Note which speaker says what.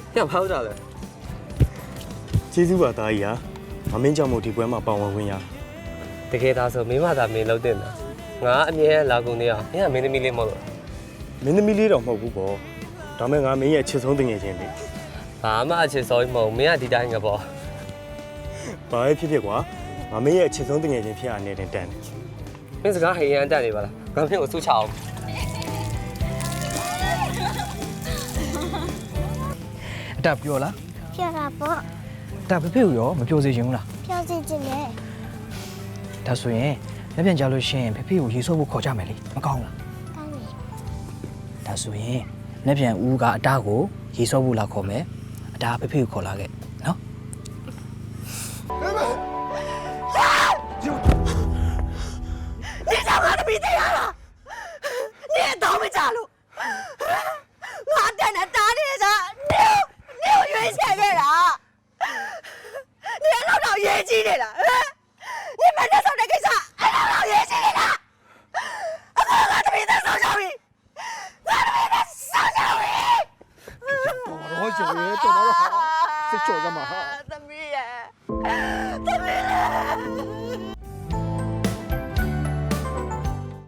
Speaker 1: ညဖောက်ကြလဲ
Speaker 2: ကျေးဇူးပါသားကြီးဟာမမင်းကြောင့်မို့ဒီပွဲမှာပါဝင်ခွင့်ရ
Speaker 1: တကယ်ဒါဆိုမင်းမသာမင်းလုံးတင်တာငါအမြဲလာကုန်နေအောင်မင်းကမင်းသမီးလေးမဟုတ်လို့
Speaker 2: မင်းသမီးလေးတော့မဟုတ်ဘူးပေါ့ဒါမဲ့ငါမင်းရဲ့အချစ်ဆုံးတငယ်ချင်းလေ
Speaker 1: ဘာမှအချစ်စောကြီးမဟုတ်မင်းကဒီတိုင်းကပေါ့
Speaker 2: ဘာပဲဖြစ်ဖြစ်ကွာငါမင်းရဲ့အချစ်ဆုံးတငယ်ချင်းဖြစ်ရနေတဲ့တန်တယ်
Speaker 1: မင်းစကားဟိရန်တက်နေပါလားငါမင်းကိုစုချအောင်
Speaker 3: အတက်ပြောလား
Speaker 4: ပြောတာပေါ့
Speaker 3: ဒါဖေဖေကိုရောမပြောစေချင်ဘူးလား
Speaker 4: ပြောစီချင်တယ်
Speaker 3: ဒါဆိုရင်လက်ပြန်ကြလို့ရှိရင်ဖေဖေကိုရေဆော့ဖို့ခေါ်ကြမယ်လေမကောင်းလား
Speaker 4: ကောင်းတယ်
Speaker 3: ဒါဆိုရင်လက်ပြန်ဦးကအတားကိုရေဆော့ဖို့လာခေါ်မယ်အတားဖေဖေကိုခေါ်လာခဲ့နော်
Speaker 5: 你找我的鼻子呀了？你也倒霉家路，我在那打你的，你有冤钱的了，你也老冤气的了，你们这手这个啥？还老冤气的了，我的鼻子受教育，我的鼻子受教育。
Speaker 6: 我小爷，做到了好，是做什么好？
Speaker 5: 怎么耶？